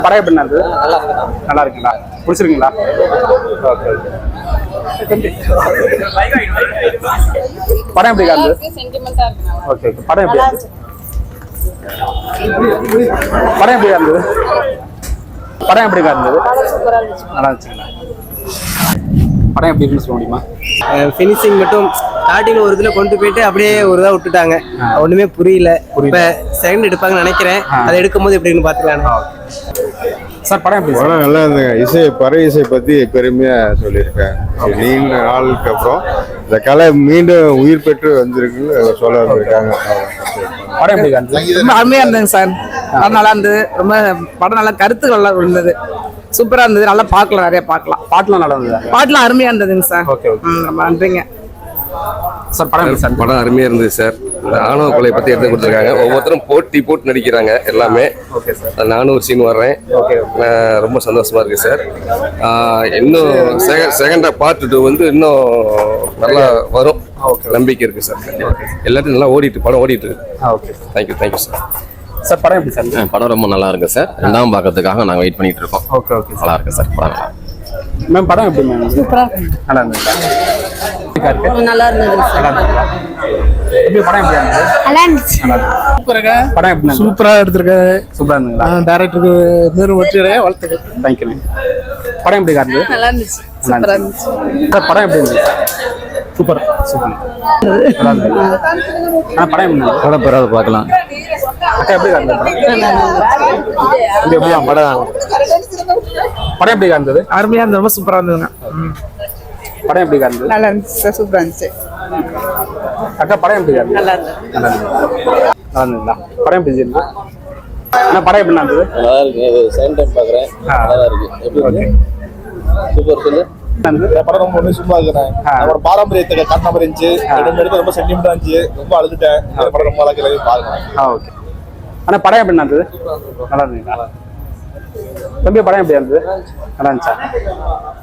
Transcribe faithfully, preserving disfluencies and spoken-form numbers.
படம் எப்படி இருந்தது? நல்லா இருக்குங்களா? பிடிச்சிருக்குங்களா? Okay okay. படம் எப்படி இருந்தது? Okay okay. படம் எப்படி இருந்தது? படம் எப்படி இருந்தது? படம் எப்படி இருந்தது? நல்லா இருந்துச்சுங்களா? படம் எப்படி இருக்குன்னு சொல்ல முடியுமா? ஃபினிஷிங் மட்டும் ஸ்டார்டிங்ல ஒரு இதில் கொண்டு போயிட்டு அப்படியே ஒரு இதாக விட்டுட்டாங்க. ஒன்றுமே புரியல. இப்போ செகண்ட் எடுப்பாங்கன்னு நினைக்கிறேன். அதை எடுக்கும் போது எப்படின்னு பார்த்துக்கலாம். சார் படம் எப்படி? படம் நல்லா இருந்துங்க. இசை பறை இசை பற்றி பெருமையாக சொல்லியிருக்கேன். நீண்ட நாளுக்கு அப்புறம் இந்த கலை மீண்டும் உயிர் பெற்று வந்திருக்குன்னு சொல்ல வந்திருக்காங்க. படம் எப்படி இருந்தது? ரொம்ப அருமையாக இருந்ததுங்க சார். படம் நல்லா இருந்தது. ரொம்ப படம் நல்லா கருத்து நல்லா இருந்தது. சூப்பரா இருந்தது. நல்லா பார்க்கலாம், நிறைய பார்க்கலாம். பாட்டுலாம் நல்லா இருந்தது. பாட்டுலாம் அருமையா இருந்ததுங்க சார். Okay okay. ரொம்ப நன்றிங்க சார். படம் சார் படம் அருமையா இருந்தது சார். ஆணவ கொலை பத்தி எடுத்து கொடுத்துருக்காங்க. ஒவ்வொருத்தரும் போட்டி போட்டு நடிக்கிறாங்க எல்லாமே. Okay sir. நானும் ஒரு சீன் வர்றேன். ஓகே. ரொம்ப சந்தோஷமா இருக்கு சார். இன்னும் செகண்ட் பார்ட் டூ வந்து இன்னும் நல்லா வரும் நம்பிக்கை இருக்கு சார். எல்லாத்தையும் நல்லா ஓடிட்டு படம் ஓடிட்டு இருக்கு. Okay. Thank you thank you sir. Sir படம் எப்படி சார்? படம் ரொம்ப நல்லா இருக்கு சார். ரெண்டாம் பார்க்கறதுக்காக நாங்கள் வெயிட் பண்ணிட்டு இருக்கோம். Okay okay. நல்லா இருக்கு சார் படம். மேம் படம் எப்படி மேம்? சூப்பரா நல்லா இருந்துச்சா? நல்லா இருந்தது. எப்படி படம் எப்படி இருந்தது? நல்லா இருந்துச்சு. சூப்பராக படம் எப்படி? சூப்பரா எடுத்திருக்காரு. சூப்பரா இருந்ததுங்களா? டைரக்டருக்கு மேலும் வெற்றியடைய வாழ்த்துக்கள். Thank you ma'am. படம் எப்படி இருந்தது? நல்லா இருந்துச்சு. சூப்பரா இருந்துச்சு. சார் படம் எப்படி இருந்தது? Super super. நல்லா இருந்தது. ஆ படம் எப்படி இருந்தது? படம் பெறாத பார்க்கலாம். அக்கா எப்படி இருந்தது படம்? படம் படம் எப்படி இருந்தது? அருமையா இருந்தது. ரொம்ப சூப்பரா இருந்ததுங்க. படம் எப்படி இருந்தது? நல்லா இருந்துச்சு சார். சூப்பரா இருந்துச்சு. அக்கா படம் எப்படி இருந்தது? நல்லா இருந்தது. நல்லா இருந்தது. நல்லா இருந்ததுங்களா? படம் எப்படி இருந்தது? அண்ணா படம் எப்படி இருந்தது? நல்லா இருக்கு. செகண்ட் டைம் பார்க்குறேன். நல்லா இருக்கு. எப்படி இருக்கு? சூப்பர். சொல்லு. படம் ரொம்ப ஒண்ணு சும்மா இருக்கிறேன். நம்மளோட பாரம்பரியத்தை கண்ண மாதிரி இருந்துச்சு. ரெண்டு எடுத்து ரொம்ப சென்டிமெண்டா இருந்துச்சு. ரொம்ப அழுதுட்டேன். படம் ரொம்ப அழகா இருக்கு. பாருங்க. ஆ ஓகே. அண்ணா படம் எப்படி இருந்தது? நல்லா இருந்ததுங்களா? தம்பி படம் எப்படி இருந்தது? நல்லா இருந்துச்சா?